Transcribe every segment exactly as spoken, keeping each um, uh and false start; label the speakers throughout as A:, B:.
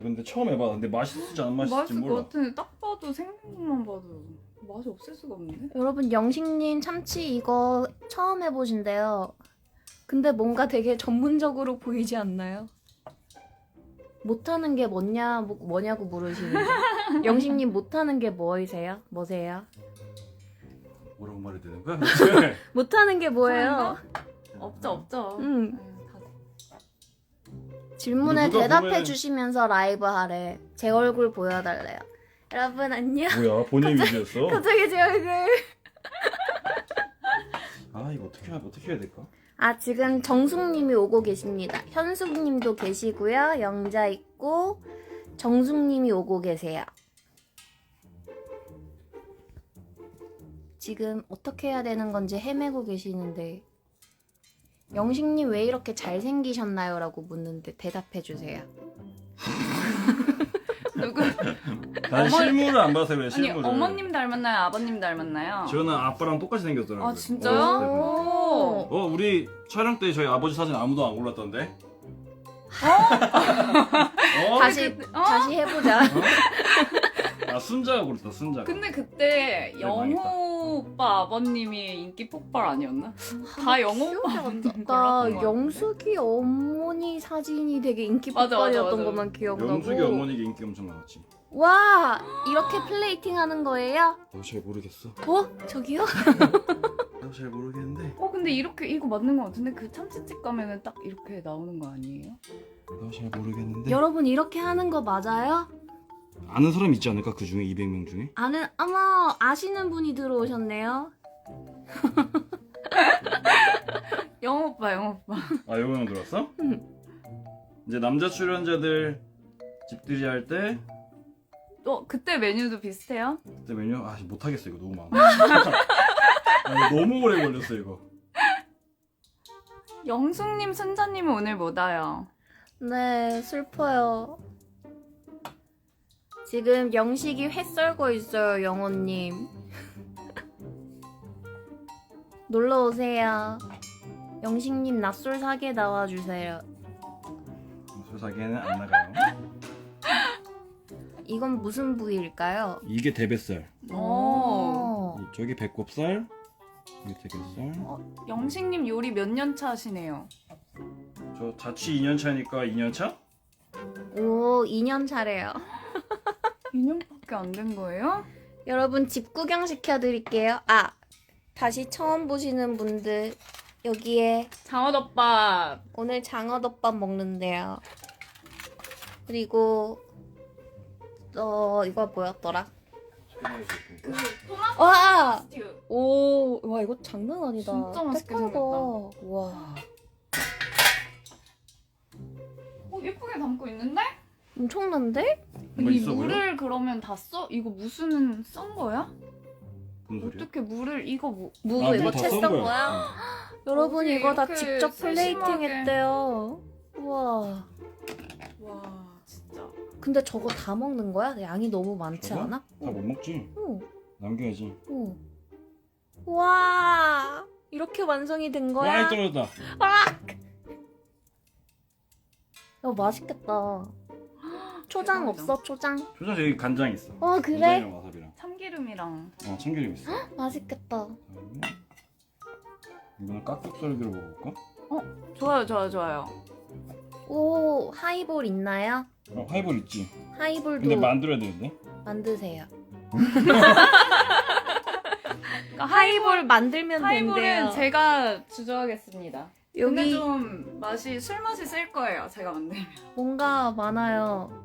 A: 근데 처음 해봐. 근데 맛있을지 안 맛있을지
B: 맛있을
A: 몰라.
B: 것 같은데 딱 봐도 생긴 것만 봐도 맛이 없을 수가 없는데?
C: 여러분 영식님 참치 이거 처음 해보신대요. 근데 뭔가 되게 전문적으로 보이지 않나요? 못하는 게 뭐냐, 뭐, 뭐냐고 물으시는데 영식님 못하는 게 뭐이세요? 뭐세요?
A: 뭐라고 말해야 되는 거야?
C: 못하는 게 뭐예요?
B: 없죠 없죠.
C: 응.
B: 아유, 다
C: 질문에
A: 누가
C: 대답해
A: 보면은-
C: 주시면서 라이브 하래. 제 얼굴 보여달래요. 여러분 안녕.
A: 뭐야 본인 위주였어?
C: 갑자기 제 얼굴.
A: 아 이거 어떻게 해야 어떻게 해야 될까?
C: 아 지금 정숙님이 오고 계십니다. 현숙님도 계시고요. 영자 있고 정숙님이 오고 계세요. 지금 어떻게 해야 되는 건지 헤매고 계시는데 영식님 왜 이렇게 잘생기셨나요? 라고 묻는데 대답해 주세요.
B: 누구?
A: 난
B: 어머-
A: 실물을 안 봐서 그래
B: 아니
A: 실물을.
B: 어머님 닮았나요? 아버님 닮았나요?
A: 저는 아빠랑 똑같이 생겼더라고요.
B: 아 진짜요?
A: 어렸을 때.
B: 오.
A: 어 우리 촬영 때 저희 아버지 사진 아무도 안 골랐던데. 어?
C: 다시
B: 그- 어?
C: 다시 해보자.
A: 아 순자가 골랐다 순자가.
B: 근데 그때
A: 그래,
B: 영호 오빠 아버님이 인기 폭발 아니었나? 다 영호 오빠 아버님
C: 나
B: 골랐던 거
C: 영숙이 어머니 사진이 되게 인기
B: 맞아, 맞아,
C: 폭발이었던
B: 맞아.
C: 것만 기억나고.
A: 영숙이 어머니가 인기 엄청 많았지.
C: 와 이렇게 플레이팅 하는 거예요?
A: 나 잘 모르겠어.
C: 어? 저기요?
A: 나 잘 모르겠는데.
B: 어 근데 이렇게 이거 맞는 거 같은데 그 참치집 가면은 딱 이렇게 나오는 거 아니에요?
A: 나 잘 모르겠는데.
C: 여러분 이렇게 하는 거 맞아요?
A: 아는 사람 있지 않을까 그 중에 이백 명 중에?
C: 아는 어머 아시는 분이 들어오셨네요.
B: 영호 오빠 영호 오빠.
A: 아 영호 형 들어왔어?
C: 응.
A: 이제 남자 출연자들 집들이 할 때
B: 어 그때 메뉴도 비슷해요?
A: 그때 메뉴 아 못하겠어 이거 너무 많아. 아, 이거 너무 오래 걸렸어 이거.
B: 영숙님 순자님은 오늘 못 와요.
C: 네 슬퍼요. 지금 영식이 회 썰고 있어요 영호님. 놀러 오세요. 영식님 낯설 사게 나와주세요.
A: 소사기에는 안 나가요.
C: 이건 무슨 부위일까요?
A: 이게 대뱃살.
B: 오.
A: 이- 저기 배꼽살. 이게 대뱃살.
B: 영식님 요리 몇 년 차 하시네요?
A: 저 자취 이 년 차니까 이 년 차?
C: 오 이 년 차래요.
B: 이 년밖에 안 된 거예요?
C: 여러분 집 구경 시켜드릴게요. 아 다시 처음 보시는 분들 여기에
B: 장어덮밥.
C: 오늘 장어덮밥 먹는데요. 그리고 어 이거 뭐였더라?
B: 토마토
C: 와!
B: 스튜.
C: 오, 와 이거 장난 아니다.
B: 진짜 맛있게
C: 색깔 봐.
B: 생겼다.
C: 와,
B: 어 예쁘게 담고 있는데?
C: 엄청난데?
A: 뭔가
B: 이
A: 있어 보여?
B: 물을 그러면 다 써? 이거 무슨 썬 거야?
A: 무슨 소리야?
B: 어떻게 물을 이거 뭐?
C: 무
A: 아,
C: 이거
A: 물다
C: 채썬
A: 썬
C: 거야?
A: 어.
C: 여러분
B: 어떻게
C: 이거 다
B: 이렇게
C: 직접 플레이팅
B: 세심하게.
C: 했대요. 우와.
B: 와 진짜.
C: 근데 저거 다 먹는 거야? 양이 너무 많지
A: 저거?
C: 않아?
A: 다 못 먹지.
C: 응.
A: 남겨야지.
C: 응. 와, 이렇게 완성이 된 거야?
A: 많이 떨어졌다.
C: 야, 맛있겠다. 초장
B: 대박이다.
C: 없어? 초장?
A: 표정 여기 간장 있어.
C: 어, 그래?
A: 간장이랑 와사비랑.
B: 참기름이랑.
A: 어 참기름 있어.
C: 맛있겠다.
A: 그다음에 이거는 깍둑썰기로 먹어볼까?
B: 좋아요 좋아요 좋아요.
C: 오, 하이볼 있나요?
A: 어 하이볼 있지.
C: 하이볼도
A: 근데 만들어야 되는데.
C: 만드세요.
B: 그러니까
C: 하이볼 만들면 된대요.
B: 하이볼은 제가 주저하겠습니다. 근데
C: 여기
B: 좀 맛이 술 맛이 쓸 거예요. 제가 만들면.
C: 뭔가 많아요.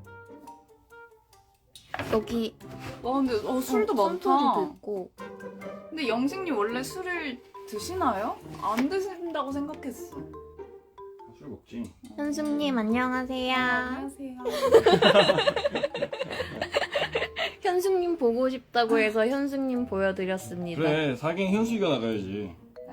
C: 여기
B: 와 근데 어, 술도
C: 어,
B: 많다.
C: sun토리도 있고.
B: 근데 영식님 원래 술을 드시나요? 안 드신다고 생각했어.
A: 술 먹지.
C: 현숙님 안녕하세요.
B: 안녕하세요.
C: 현숙님 보고 싶다고 해서 현숙님 보여드렸습니다.
A: 그래 사긴 현수이가 나가야지.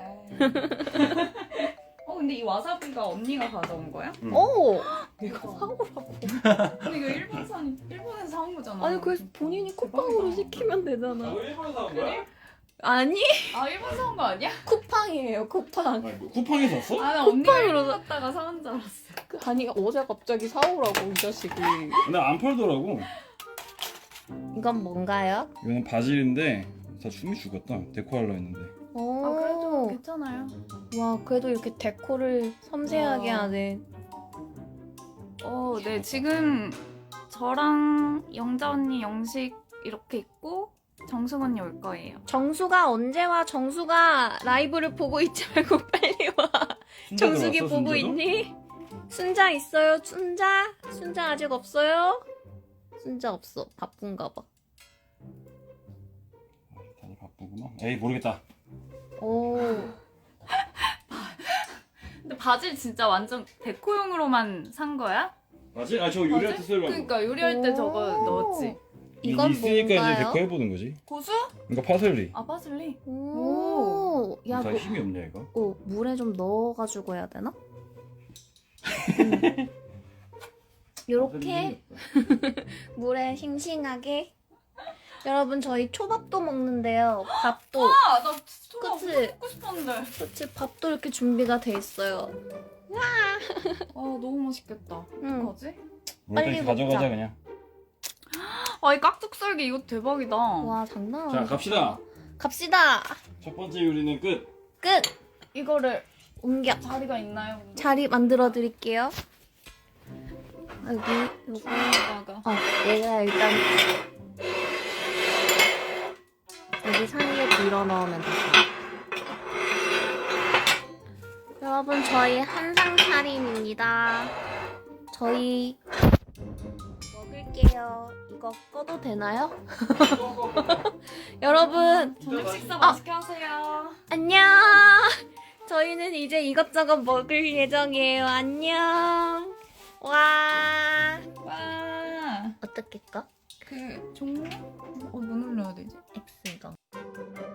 B: 어 근데 이 와사비가 언니가 가져온 거야?
A: 응.
C: 오!
B: 이거
C: 사오라고.
B: 근데 이거 일본산 일본에서 사온 거잖아.
C: 아니 그래서 본인이 쿠팡으로 시키면 되잖아.
A: 일본에서 한
B: 그래?
C: 아니
B: 아 일본 사온 거 아니야?
C: 쿠팡이에요 쿠팡.
A: 아, 뭐 쿠팡에서 샀어?
B: 아 나 언니가
C: 쿠팡으로
B: 일본 갔다가 사온 줄 알았어.
C: 아니 어제 갑자기 사오라고 이 자식이.
A: 근데 안 팔더라고.
C: 이건 뭔가요?
A: 이거는 바질인데 다 숨이 죽었다. 데코하려 했는데.
C: 오.
B: 아 그래도 괜찮아요.
C: 와 그래도 이렇게 데코를 섬세하게
B: 와.
C: 하네.
B: 어, 네 지금 저랑 영자 언니 영식 이렇게 있고 정숙 언니 올 거예요.
C: 정수가 언제 와? 정수가 라이브를 보고 있지 말고 빨리 와.
A: 순자
C: 정숙이
A: 들어왔어,
C: 보고
A: 순자도?
C: 있니? 순자 있어요? 순자? 순자 아직 없어요? 순자 없어. 바쁜가 봐.
A: 다들 바쁘구만. 에이 모르겠다.
C: 오.
B: 근데 바질 진짜 완전 데코용으로만 산 거야?
A: 바질? 아 저거 요리할 때
B: 바질?
A: 쓰려고.
B: 그러니까 요리할 때 저거
C: 오.
B: 넣었지.
C: 이건
A: 있으니까 이제
C: 뭔가요?
A: 데코 해보는 거지.
B: 고수?
A: 이거 파슬리.
B: 아 파슬리.
C: 오. 야,
A: 다
C: 너
A: 힘이 없냐 이거?
C: 어, 물에 좀 넣어가지고 해야 되나? 음. 요렇게 물에 싱싱하게. 여러분 저희 초밥도 먹는데요. 밥도.
B: 아나 초밥
C: 그치?
B: 엄청 먹고 싶었는데.
C: 그치 밥도 이렇게 준비가 돼 있어요.
B: 아 너무 맛있겠다.
C: 응.
B: 어떡하지?
C: 빨리
A: 일단 가져가자
C: 먹자.
A: 그냥.
B: 아이 깍둑썰기 이거 대박이다.
C: 와 장난 아니야.
A: 자 갑시다.
C: 갑시다.
A: 첫 번째 요리는 끝.
C: 끝.
B: 이거를
C: 옮겨.
B: 자리가 있나요? 근데?
C: 자리 만들어 드릴게요. 여기 요거.
B: 여기다가.
C: 어, 얘가 일단 여기 사이에 밀어 넣으면 돼. 여러분 저희 한상 차림입니다. 저희 먹을게요. 이거 꺼도 되나요? 여러분
B: 저녁 식사
C: 아.
B: 맛있게 하세요.
C: 안녕. 저희는 이제 이것저것 먹을 예정이에요. 안녕. 와.
B: 와.
C: 어떻게 꺼?
B: 그 종료? 어, 뭐 눌러야 되지?
C: X.